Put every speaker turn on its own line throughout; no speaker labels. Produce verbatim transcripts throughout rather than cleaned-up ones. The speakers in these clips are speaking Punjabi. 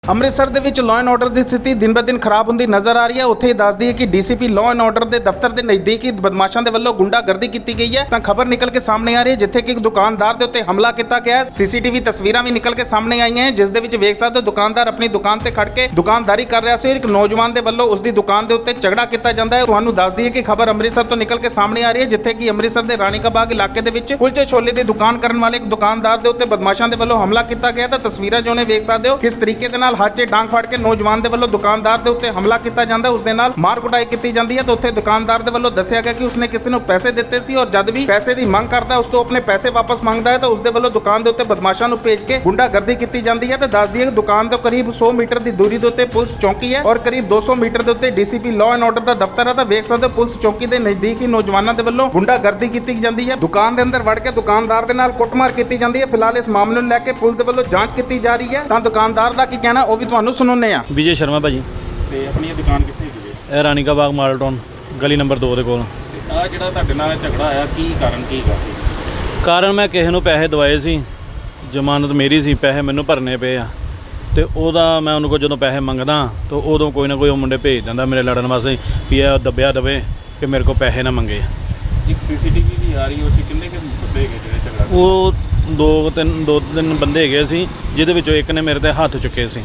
ਅੰਮ੍ਰਿਤਸਰ ਦੇ ਵਿੱਚ ਲਾਅ ਐਂਡ ਆਰਡਰ ਦੀ ਸਥਿਤੀ ਦਿਨ ਬ ਦਿਨ ਖਰਾਬ ਹੁੰਦੀ ਨਜ਼ਰ ਆ ਰਹੀ ਹੈ। ਉੱਥੇ ਹੀ ਦੱਸਦੀ ਹੈ ਕਿ ਡੀਸੀਪੀ ਲਾਅ ਐਂਡ ਆਰਡਰ ਦੇ ਦਫ਼ਤਰ ਦੇ ਨਜ਼ਦੀਕ ਹੀ ਬਦਮਾਸ਼ਾਂ ਦੇ ਵੱਲੋਂ ਗੁੰਡਾਗਰਦੀ ਕੀਤੀ ਗਈ ਹੈ। ਤਾਂ ਖਬਰ ਨਿਕਲ ਕੇ ਸਾਹਮਣੇ ਆ ਰਹੀ ਹੈ ਜਿੱਥੇ ਕਿ ਇੱਕ ਦੁਕਾਨਦਾਰ ਦੇ ਉੱਤੇ ਹਮਲਾ ਕੀਤਾ ਗਿਆ ਹੈ। ਸੀਸੀਟੀਵੀ ਤਸਵੀਰਾਂ ਵੀ ਨਿਕਲ ਕੇ ਸਾਹਮਣੇ ਆਈਆਂ ਹੈ ਜਿਸ ਦੇ ਵਿੱਚ ਵੇਖ ਸਕਦੇ ਹੋ ਦੁਕਾਨਦਾਰ ਆਪਣੀ ਦੁਕਾਨ ਤੇ ਖੜ ਕੇ ਦੁਕਾਨਦਾਰੀ ਕਰ ਰਿਹਾ ਸੀ। ਇੱਕ ਨੌਜਵਾਨ ਦੇ ਵੱਲੋਂ ਉਸ ਦੀ ਦੁਕਾਨ ਦੇ ਉੱਤੇ ਝਗੜਾ ਕੀਤਾ ਜਾਂਦਾ ਹੈ। ਤੁਹਾਨੂੰ ਦੱਸ ਦਈਏ ਕਿ ਖਬਰ ਅੰਮ੍ਰਿਤਸਰ ਤੋਂ ਨਿਕਲ ਕੇ ਸਾਹਮਣੇ ਆ ਰਹੀ ਹੈ ਜਿੱਥੇ ਕਿ ਅੰਮ੍ਰਿਤਸਰ ਦੇ ਰਾਣੀ ਕਾ ਬਾਗ ਇਲਾਕੇ ਦੇ ਵਿੱਚ ਕੁਲਚੇ ਛੋਲੇ ਦੀ ਦੁਕਾਨ ਕਰਨ ਵਾਲੇ ਇੱਕ ਦੁਕਾਨਦਾਰ ਦੇ ਉੱਤੇ ਬਦਮਾਸ਼ਾਂ ਦੇ ਵੱਲੋਂ ਹਮਲਾ ਕੀਤਾ ਗਿਆ। ਤਾਂ ਤਸਵੀਰਾਂ ਜੋ ਨੇ ਵੇਖ ਸਕਦੇ ਹੋ ਕਿਸ ਤਰੀਕੇ ਦੇ ਨਾਲ ਹੱਥ 'ਚ ਡਾਂਗ ਫੜ ਕੇ ਨੌਜਵਾਨ ਦੇ ਵੱਲੋਂ ਦੁਕਾਨਦਾਰ ਦੇ ਉੱਤੇ ਹਮਲਾ ਕੀਤਾ ਜਾਂਦਾ, ਉਸ ਦੇ ਨਾਲ ਮਾਰ ਕੁਟਾਈ ਕੀਤੀ ਜਾਂਦੀ ਹੈ। ਤਾਂ ਉੱਥੇ ਦੁਕਾਨਦਾਰ ਦੇ ਵੱਲੋਂ ਦੱਸਿਆ ਗਿਆ ਕਿ ਉਸਨੇ ਕਿਸੇ ਨੂੰ ਪੈਸੇ ਦਿੱਤੇ ਸੀ ਔਰ ਜਦ ਵੀ ਪੈਸੇ ਦੀ ਮੰਗ ਕਰਦਾ ਉਸ ਤੋਂ ਆਪਣੇ ਪੈਸੇ ਵਾਪਸ ਮੰਗਦਾ ਹੈ ਤਾਂ ਉਸ ਦੇ ਵੱਲੋਂ ਦੁਕਾਨ ਦੇ ਉੱਤੇ ਬਦਮਾਸ਼ਾਂ ਨੂੰ ਭੇਜ ਕੇ ਗੁੰਡਾਗਰਦੀ ਕੀਤੀ ਜਾਂਦੀ ਹੈ। ਤਾਂ ਦੱਸ ਦਈਏ ਕਿ ਦੁਕਾਨ ਤੋਂ ਕਰੀਬ ਸੌ ਮੀਟਰ ਦੀ ਦੂਰੀ ਦੇ ਉੱਤੇ ਪੁਲਿਸ ਚੌਕੀ ਹੈ ਔਰ ਕਰੀਬ ਦੋ ਸੌ ਮੀਟਰ ਦੇ ਉੱਤੇ ਡੀਸੀਪੀ ਲਾਅ ਐਂਡ ਆਰਡਰ ਦਾ ਦਫ਼ਤਰ ਹੈ। ਤਾਂ ਵੇਖ ਸਕਦੇ ਹੋ ਪੁਲਿਸ ਚੌਕੀ ਦੇ ਨਜ਼ਦੀਕ ਹੀ ਨੌਜਵਾਨਾਂ ਦੇ ਵੱਲੋਂ ਗੁੰਡਾਗਰਦੀ ਕੀਤੀ ਜਾਂਦੀ ਹੈ। ਦੁਕਾਨ ਦੇ ਅੰਦਰ ਵੜ ਕੇ ਦੁਕਾਨਦਾਰ ਦੇ ਨਾਲ ਕੁੱਟਮਾਰ ਕੀਤੀ ਜਾਂਦੀ ਹੈ। ਫਿਲਹਾਲ ਇਸ ਮਾਮਲੇ ਨੂੰ ਲੈ ਕੇ ਪੁਲਿਸ ਦੇ ਵੱਲੋਂ ਜਾਂਚ ਕੀਤੀ ਜਾ ਰਹੀ ਹੈ। ਤਾਂ ਦੁਕਾਨਦਾਰ ਦਾ ਕੀ ਕਹਿਣਾ ਉਹ ਵੀ ਤੁਹਾਨੂੰ ਸੁਣਾਉਂਦੇ ਆ।
ਵਿਜੇ ਸ਼ਰਮਾ ਭਾਜੀ
ਤੇ ਆਪਣੀ ਇਹ ਦੁਕਾਨ ਕਿੱਥੇ ਹੈਗੀ ਹੈ?
ਇਹ ਰਾਣੀ ਕਾ ਬਾਗ ਮਾਡਲ ਟਾਊਨ ਗਲੀ ਨੰਬਰ ਦੋ ਦੇ ਕੋਲ।
ਤੇ ਆ ਜਿਹੜਾ ਤੁਹਾਡੇ ਨਾਲ ਝਗੜਾ ਆਇਆ ਕੀ ਕਾਰਨ ਕੀ ਹੈਗਾ ਸੀ?
ਕਾਰਨ ਮੈਂ ਕਿਸੇ ਨੂੰ ਪੈਸੇ ਦਵਾਏ ਸੀ, ਜ਼ਮਾਨਤ ਮੇਰੀ ਸੀ, ਪੈਸੇ ਮੈਨੂੰ ਭਰਨੇ ਪਏ ਆ ਤੇ ਉਹਦਾ ਮੈਂ ਉਹਨੂੰ ਕੋਲ ਜਦੋਂ ਪੈਸੇ ਮੰਗਦਾ ਤਾਂ ਉਦੋਂ ਕੋਈ ਨਾ ਕੋਈ ਉਹ ਮੁੰਡੇ ਭੇਜ ਦਿੰਦਾ ਮੇਰੇ ਲੜਨ ਵਾਸਤੇ ਵੀ ਇਹ ਦੱਬਿਆ ਦਵੇ ਕਿ ਮੇਰੇ ਕੋਲ ਪੈਸੇ ਨਾ ਮੰਗੇ।
ਇੱਕ ਸੀਸੀਟੀਵੀ ਵੀ ਆ ਰਹੀ ਉਹ 'ਚ ਕਿੰਨੇ ਕਿ ਬੰਦੇ ਹੈਗੇ ਜਿਹੜੇ ਝਗੜਾ?
ਉਹ ਦੋ ਤਿੰਨ ਦੋ ਤਿੰਨ ਬੰਦੇ ਹੈਗੇ ਸੀ ਜਿਹਦੇ ਵਿੱਚੋਂ ਇੱਕ ਨੇ ਮੇਰੇ ਤੇ ਹੱਥ ਚੁੱਕੇ ਸੀ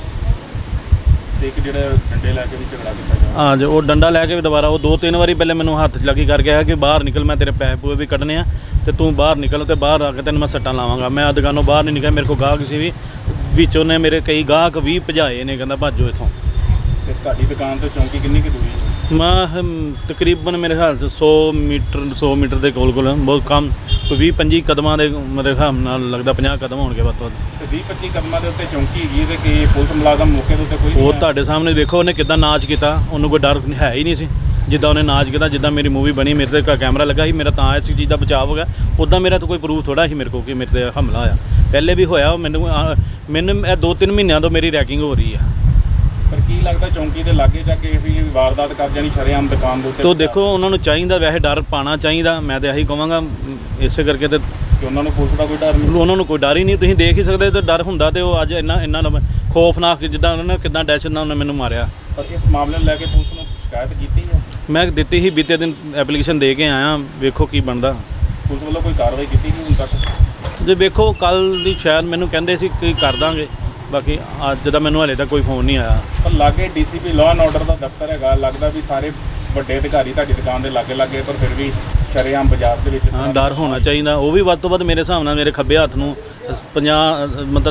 ਤੇ ਇੱਕ ਜਿਹੜਾ ਡੰਡੇ ਲੈ ਕੇ ਵੀ ਝਗੜਾ ਕੀਤਾ ਗਿਆ।
ਹਾਂ ਜੋ ਉਹ ਡੰਡਾ ਲੈ ਕੇ ਵੀ ਦੁਬਾਰਾ ਉਹ ਦੋ ਤਿੰਨ ਵਾਰੀ ਪਹਿਲੇ ਮੈਨੂੰ ਹੱਥ 'ਚ ਲੱਗੀ ਕਰਕੇ ਆਇਆ ਕਿ ਬਾਹਰ ਨਿਕਲ, ਮੈਂ ਤੇਰੇ ਪੈਸੇ ਪੂਏ ਵੀ ਕੱਢਣੇ ਆ ਤੇ ਤੂੰ ਬਾਹਰ ਨਿਕਲ ਤੇ ਬਾਹਰ ਆ ਕੇ ਤੈਨੂੰ ਮੈਂ ਸੱਟਾਂ ਲਾਵਾਂਗਾ। ਮੈਂ ਦੁਕਾਨੋਂ ਬਾਹਰ ਨਹੀਂ ਨਿਕਲਿਆ, ਮੇਰੇ ਕੋਲ ਗਾਹਕ ਸੀ ਵੀ ਵਿੱਚੋਂ ਨੇ ਮੇਰੇ ਕਈ ਗਾਹਕ ਵੀ ਭਜਾਏ ਨੇ, ਕਹਿੰਦਾ ਭੱਜੋ ਇੱਥੋਂ।
ਤੇ ਤੁਹਾਡੀ ਦੁਕਾਨ ਤੋਂ ਚੌਂਕੀ ਕਿੰਨੀ ਕੁ ਦੂਰੀ ਹੈ?
ਮੈਂ ਹਮ, ਤਕਰੀਬਨ ਮੇਰੇ ਖਿਆਲ 'ਚ ਸੌ ਮੀਟਰ ਸੌ ਮੀਟਰ ਦੇ ਕੋਲ ਕੋਲ ਬਹੁਤ ਕਮ ਕੋਈ ਵੀਹ ਪੰਜੀ ਕਦਮਾਂ ਦੇ ਮੇਰੇ ਹਿਸਾਬ ਨਾਲ ਲੱਗਦਾ ਪੰਜਾਹ ਕਦਮ ਹੋਣਗੇ ਵੱਧ ਤੋਂ ਵੱਧ।
ਤੇ ਵੀਹ ਪੱਚੀ ਕਦਮਾਂ ਦੇ ਉੱਤੇ ਚੌਂਕੀ ਹੈਗੀ ਹੈ ਤੇ ਕਿ ਪੁਲਿਸ ਮੁਲਾਜ਼ਮ ਮੌਕੇ ਦੇ ਉੱਤੇ ਕੋਈ ਨਹੀਂ
ਉਹ
ਆਇਆ?
ਤੁਹਾਡੇ ਸਾਹਮਣੇ ਦੇਖੋ ਉਹਨੇ ਕਿੱਦਾਂ ਨਾਚ ਕੀਤਾ, ਉਹਨੂੰ ਕੋਈ ਡਰ ਹੈ ਹੀ ਨਹੀਂ ਸੀ ਜਿੱਦਾਂ ਉਹਨੇ ਨਾਚ ਕੀਤਾ। ਜਿੱਦਾਂ ਮੇਰੀ ਮੂਵੀ ਬਣੀ ਮੇਰੇ ਤੇ ਕੈਮਰਾ ਲੱਗਾ ਸੀ, ਮੇਰਾ ਤਾਂ ਇਸ ਚੀਜ਼ ਦਾ ਬਚਾਅ ਹੋ ਗਿਆ। ਉੱਦਾਂ ਮੇਰਾ ਤਾਂ ਕੋਈ ਪ੍ਰੂਫ ਥੋੜ੍ਹਾ ਸੀ ਮੇਰੇ ਕੋਲ ਕਿ ਮੇਰੇ ਤੇ ਹਮਲਾ ਹੋਇਆ। ਪਹਿਲੇ ਵੀ ਹੋਇਆ ਮੈਨੂੰ ਮੈਨੂੰ ਇਹ ਦੋ ਤਿੰਨ ਮਹੀਨਿਆਂ ਤੋਂ ਮੇਰੀ ਰੈਕਿੰਗ ਹੋ ਰਹੀ ਆ।
ਪਰ ਕੀ ਲੱਗਦਾ ਚੌਂਕੀ ਦੇ ਲਾਗੇ ਜਾ ਕੇ ਵੀ ਵਾਰਦਾਤ ਕਰ ਜਾਣੀ ਸ਼ਰੇਆਮ ਦੁਕਾਨ ਦੇ ਉੱਤੇ?
ਤੋ ਦੇਖੋ ਉਹਨਾਂ ਨੂੰ ਚਾਹੀਦਾ ਵੈਸੇ ਡਰ ਪਾਉਣਾ ਚਾਹੀਦਾ, ਮੈਂ ਤਾਂ ਇਹੀ ਕਹਾਂਗਾ। ਇਸੇ ਕਰਕੇ ਤੇ
ਕਿ ਉਹਨਾਂ ਨੂੰ ਪੁਲਿਸ ਦਾ ਕੋਈ ਡਰ ਨਹੀਂ?
ਉਹਨਾਂ ਨੂੰ ਕੋਈ ਡਰ ਹੀ ਨਹੀਂ। ਤੁਸੀਂ ਦੇਖ ਹੀ ਸਕਦੇ ਤੇ ਡਰ ਹੁੰਦਾ ਤੇ ਉਹ ਅੱਜ ਇੰਨਾ ਇੰਨਾ ਖੌਫਨਾਕ ਜਿੱਦਾਂ ਉਹਨਾਂ ਨੇ ਕਿੱਦਾਂ ਡੈਸ਼ ਨਾਲ ਉਹਨੇ ਮੈਨੂੰ ਮਾਰਿਆ।
ਪਰ ਇਸ ਮਾਮਲੇ ਨੂੰ ਲੈ ਕੇ ਪੁਲਿਸ ਨੂੰ ਸ਼ਿਕਾਇਤ ਕੀਤੀ ਹੈ?
ਮੈਂ ਦਿੱਤੀ ਸੀ, ਬੀਤੇ ਦਿਨ ਐਪਲੀਕੇਸ਼ਨ ਦੇ ਕੇ ਆਇਆ, ਵੇਖੋ ਕੀ ਬਣਦਾ।
ਪੁਲਿਸ ਵੱਲੋਂ ਕੋਈ ਕਾਰਵਾਈ ਕੀਤੀ ਨਹੀਂ ਹੁਣ ਤੱਕ?
ਜੇ ਵੇਖੋ ਕੱਲ੍ਹ ਦੀ ਸ਼ਾਇਦ ਮੈਨੂੰ ਕਹਿੰਦੇ ਸੀ ਕਿ ਕਰ ਦਾਂਗੇ, ਬਾਕੀ ਅੱਜ ਦਾ ਮੈਨੂੰ ਹਲੇ ਤੱਕ ਕੋਈ ਫੋਨ ਨਹੀਂ ਆਇਆ।
ਪਰ ਲਾਗੇ ਡੀਸੀਪੀ ਲਾਅ ਐਂਡ ਆਰਡਰ ਦਾ ਦਫ਼ਤਰ ਹੈਗਾ, ਲੱਗਦਾ ਵੀ ਸਾਰੇ ਵੱਡੇ ਅਧਿਕਾਰੀ ਤੁਹਾਡੀ ਦੁਕਾਨ ਦੇ ਲਾਗੇ ਲੱਗੇ ਪਰ ਫਿਰ ਵੀ ਸ਼ਰੇਆਮ ਬਾਜ਼ਾਰ ਦੇ ਵਿੱਚ
ਹਾਂ ਡਰ ਹੋਣਾ ਚਾਹੀਦਾ। ਉਹ ਵੀ ਵੱਧ ਤੋਂ ਵੱਧ ਮੇਰੇ ਹਿਸਾਬ ਨਾਲ ਮੇਰੇ ਖੱਬੇ ਹੱਥ ਨੂੰ ਪੰਜਾਹ ਮਤਲਬ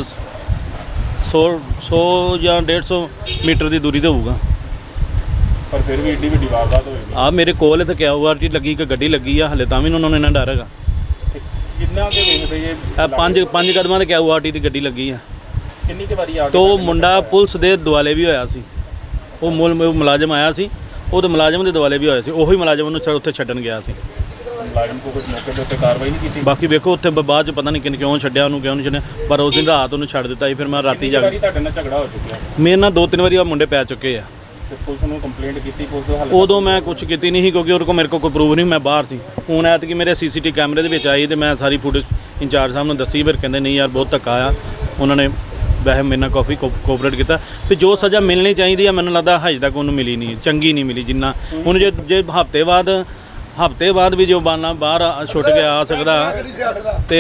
ਸੌ ਸੌ ਜਾਂ ਡੇਢ ਸੌ ਮੀਟਰ ਦੀ ਦੂਰੀ 'ਤੇ ਹੋਊਗਾ।
ਪਰ ਫਿਰ ਵੀ ਏਡੀ ਵੱਡੀ ਵਾਰਦਾਤ ਹੋਏਗੀ।
ਆ ਮੇਰੇ ਕੋਲ ਇੱਥੇ ਕਿਆ ਓ ਆਰ ਟੀ ਲੱਗੀ ਕਿ ਗੱਡੀ ਲੱਗੀ ਆ, ਹਲੇ ਤਾਂ ਵੀ ਉਹਨਾਂ ਨੂੰ ਇੰਨਾ ਡਰ ਹੈਗਾ।
ਕਿੰਨਾ ਦੇ ਵੇਖਦੇ ਇਹ
ਇਹ ਪੰਜ ਪੰਜ ਕਦਮਾਂ ਤੇ ਕਿਆ ਓ ਆਰ ਟੀ ਦੀ ਗੱਡੀ ਲੱਗੀ ਆ।
ਕਿੰਨੀ ਕੁ ਵਾਰੀ ਆ ਕੇ
ਤੋ ਮੁੰਡਾ ਪੁਲਿਸ ਦੇ ਦੁਆਲੇ ਵੀ ਹੋਇਆ ਸੀ, ਉਹ ਮੁਲ ਮੁਲਾਜ਼ਮ ਆਇਆ ਸੀ, ਉਹਦੇ ਮੁਲਾਜ਼ਮ ਦੇ ਦੁਆਲੇ ਵੀ ਹੋਇਆ ਸੀ, ਉਹੀ ਮੁਲਾਜ਼ਮ ਉਹਨੂੰ ਉੱਥੇ ਛੱਡਣ ਗਿਆ ਸੀ।
ਮੁਲਾਜ਼ਮ ਕੋਲ ਕੁਝ ਮੌਕੇ ਦੇ ਉੱਤੇ ਕਾਰਵਾਈ ਨਹੀਂ ਕੀਤੀ?
ਬਾਕੀ ਵੇਖੋ ਉੱਥੇ ਬਾਅਦ 'ਚ ਪਤਾ ਨਹੀਂ ਕਿਨ ਕਿਉਂ ਛੱਡਿਆ ਉਹਨੂੰ, ਕਿਉਂ ਨਹੀਂ ਛੱਡਿਆ, ਪਰ ਉਸ ਦਿਨ ਰਾਤ ਉਹਨੂੰ ਛੱਡ ਦਿੱਤਾ ਸੀ। ਫਿਰ ਮੈਂ ਰਾਤੀ ਜਾ ਕੇ
ਤੁਹਾਡੇ ਨਾਲ ਝਗੜਾ ਹੋ ਚੁੱਕਿਆ?
ਮੇਰੇ ਨਾਲ ਦੋ ਤਿੰਨ ਵਾਰੀ ਉਹ ਮੁੰਡੇ ਪੈ ਚੁੱਕੇ ਆ।
ਤੇ ਪੁਲਿਸ ਨੂੰ ਕੰਪਲੇਂਟ ਕੀਤੀ? ਪੁਲਿਸ ਦਾ ਹੱਲ
ਉਦੋਂ ਮੈਂ ਕੁਝ ਕੀਤੀ ਨਹੀਂ ਸੀ ਕਿਉਂਕਿ ਉਹਦੇ ਕੋਲ ਮੇਰੇ ਕੋਲ ਕੋਈ ਪ੍ਰੂਫ ਨਹੀਂ, ਮੈਂ ਬਾਹਰ ਸੀ। ਹੁਣ ਐਤਕੀ ਮੇਰੇ ਸੀਸੀਟੀ ਕੈਮਰੇ ਦੇ ਵਿੱਚ ਆਈ ਤੇ ਮੈਂ ਸਾਰੀ ਫੁਟੇਜ ਇੰਚਾਰਜ ਸਾਹਿਬ ਨੂੰ ਦੱਸੀ। ਫਿਰ ਕਹਿੰਦੇ ਨਹੀਂ ਯਾਰ ਬਹੁਤ ਧੱਕਾ ਆ। ਉਹਨਾਂ ਨੇ ਵੈਸੇ ਮੇਰੇ ਨਾਲ ਕਾਫੀ ਕੋਆਪਰੇਟ ਕੀਤਾ ਵੀ ਜੋ ਸਜ਼ਾ ਮਿਲਣੀ ਚਾਹੀਦੀ ਆ ਮੈਨੂੰ ਲੱਗਦਾ ਹਜੇ ਤੱਕ ਉਹਨੂੰ ਮਿਲੀ ਨਹੀਂ, ਚੰਗੀ ਨਹੀਂ ਮਿਲੀ ਜਿੰਨਾ ਹੁਣ। ਜੇ ਜੇ ਹਫ਼ਤੇ ਬਾਅਦ ਹਫ਼ਤੇ ਬਾਅਦ ਵੀ ਜੋ ਬਾਨਾ ਬਾਹਰ ਛੁੱਟ ਕੇ ਆ ਸਕਦਾ ਤੇ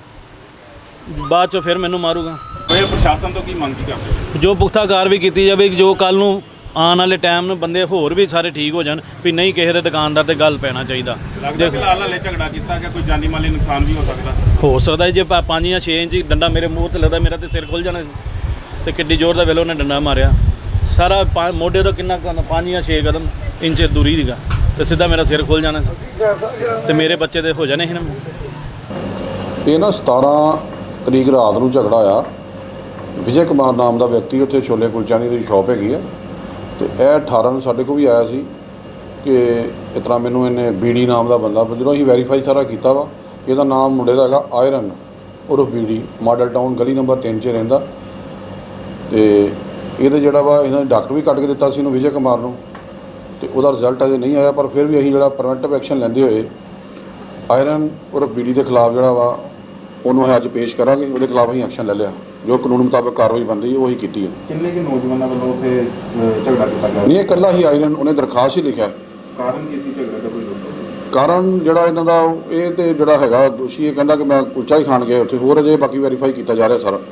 ਬਾਅਦ 'ਚੋਂ ਫਿਰ ਮੈਨੂੰ ਮਾਰੂਗਾ।
ਇਹ ਪ੍ਰਸ਼ਾਸਨ ਤੋਂ ਕੀ ਮੰਗ ਕੀ ਕਰਦੇ?
ਜੋ ਪੁਖਤਾ ਕਾਰਵਾਈ ਕੀਤੀ ਜਾਵੇ ਜੋ ਕੱਲ੍ਹ ਨੂੰ ਆਉਣ ਵਾਲੇ ਟਾਈਮ ਨੂੰ ਬੰਦੇ ਹੋਰ ਵੀ ਸਾਰੇ ਠੀਕ ਹੋ ਜਾਣ ਵੀ ਨਹੀਂ ਕਿਸੇ ਦੇ ਦੁਕਾਨਦਾਰ ਤੇ ਗੱਲ ਪੈਣਾ ਚਾਹੀਦਾ।
ਲੱਗਦਾ ਫਿਲਹਾਲ ਹਲੇ ਝਗੜਾ ਕੀਤਾ ਕਿ ਕੋਈ ਜਾਨੀ ਮਾਲੀ ਨੁਕਸਾਨ ਵੀ ਹੋ ਸਕਦਾ?
ਹੋ ਸਕਦਾ ਜੇ ਪੰਜ ਜਾਂ ਛੇ ਇੰਚ ਡੰਡਾ ਮੇਰੇ ਮੂੰਹ ਤੇ ਲੱਗਦਾ ਮੇਰਾ ਤੇ ਸਿਰ ਖੁੱਲ ਜਾਣਾ ਸੀ। ਤੇ ਕਿੱਡੀ ਜ਼ੋਰ ਦਾ ਵੇਲੇ ਉਹਨੇ ਡੰਡਾ ਮਾਰਿਆ, ਸਾਰਾ ਮੋਢੇ ਤੋਂ ਕਿੰਨਾ ਪੰਜ ਜਾਂ ਛੇ ਕਦਮ ਇੰਚ ਦੂਰੀ ਸੀਗਾ ਤੇ ਸਿੱਧਾ ਮੇਰਾ ਸਿਰ ਖੁੱਲ ਜਾਣਾ ਸੀ ਤੇ ਮੇਰੇ ਬੱਚੇ ਦੇ ਹੋ ਜਾਣੇ ਸੀ ਨਾ।
ਇਹ ਨਾ ਸਤਾਰਾਂ ਤਰੀਕ ਰਾਤ ਨੂੰ ਝਗੜਾ ਆਇਆ। ਵਿਜੇ ਕੁਮਾਰ ਨਾਮ ਦਾ ਵਿਅਕਤੀ ਉੱਥੇ ਛੋਲੇ ਕੁਲਚਿਆਂ ਦੀ ਸ਼ਾਪ ਹੈਗੀ ਹੈ ਤੇ ਇਹ ਅਠਾਰਾਂ ਨੂੰ ਸਾਡੇ ਕੋਲ ਵੀ ਆਇਆ ਸੀ ਕਿ ਇਸ ਤਰ੍ਹਾਂ ਮੈਨੂੰ ਇਹਨੇ ਬੀਡੀ ਨਾਮ ਦਾ ਬੰਦਾ, ਜਦੋਂ ਅਸੀਂ ਵੈਰੀਫਾਈ ਸਾਰਾ ਕੀਤਾ ਵਾ ਇਹਦਾ ਨਾਮ ਮੁੰਡੇ ਦਾ ਹੈਗਾ ਆਇਰਨ ਉਰਫ ਬੀਡੀ, ਮਾਡਲ ਟਾਊਨ ਗਲੀ ਨੰਬਰ ਤਿੰਨ 'ਚ ਰਹਿੰਦਾ। ਤੇ ਇਹਦੇ ਜਿਹੜਾ ਵਾ ਇਹਨਾਂ ਨੇ ਡਾਕਟਰ ਵੀ ਕੱਢ ਕੇ ਦਿੱਤਾ ਸੀ ਇਹਨੂੰ ਵਿਜੇ ਕੁਮਾਰ ਨੂੰ ਤੇ ਉਹਦਾ ਰਿਜ਼ਲਟ ਅਜੇ ਨਹੀਂ ਆਇਆ। ਪਰ ਫਿਰ ਵੀ ਅਸੀਂ ਜਿਹੜਾ ਪ੍ਰੀਵੈਂਟਿਵ ਐਕਸ਼ਨ ਲੈਂਦੇ ਹੋਏ ਆਇਰਨ ਉਰਫ ਬੀਡੀ ਦੇ ਖਿਲਾਫ ਜਿਹੜਾ ਵਾ ਉਹਨੂੰ ਅੱਜ ਪੇਸ਼ ਕਰਾਂਗੇ, ਉਹਦੇ ਖਿਲਾਫ ਅਸੀਂ ਐਕਸ਼ਨ ਲੈ ਲਿਆ। ਜੋ ਕਾਨੂੰਨ ਮੁਤਾਬਕ ਕਾਰਵਾਈ ਬਣਦੀ ਹੈ ਉਹੀ ਕੀਤੀ ਹੈ।
ਕਿੰਨੇ ਕਿ ਨੌਜਵਾਨਾਂ ਵੱਲੋਂ ਉੱਥੇ ਅ, ਝਗੜਾ ਕੀਤਾ ਗਿਆ?
ਨਹੀਂ, ਇਹ ਇਕੱਲਾ ਹੀ ਆਇਰਨ ਉਹਨੇ ਦਰਖਾਸਤ ਹੀ ਲਿਖਿਆ।
ਕਾਰਨ ਕੀ ਸੀ ਝਗੜੇ ਦਾ, ਕੋਈ ਦੱਸੋ?
ਕਾਰਨ ਜਿਹੜਾ ਇਹਨਾਂ ਦਾ ਇਹ ਤੇ ਜਿਹੜਾ ਹੈਗਾ ਦੋਸ਼ੀ ਇਹ ਕਹਿੰਦਾ ਕਿ ਮੈਂ ਕੁਲਚਾ ਹੀ ਖਾਣ ਗਿਆ ਉੱਥੇ, ਹੋਰ ਅਜੇ ਬਾਕੀ ਵੈਰੀਫਾਈ ਕੀਤਾ ਜਾ ਰਿਹਾ ਸਾਰਾ।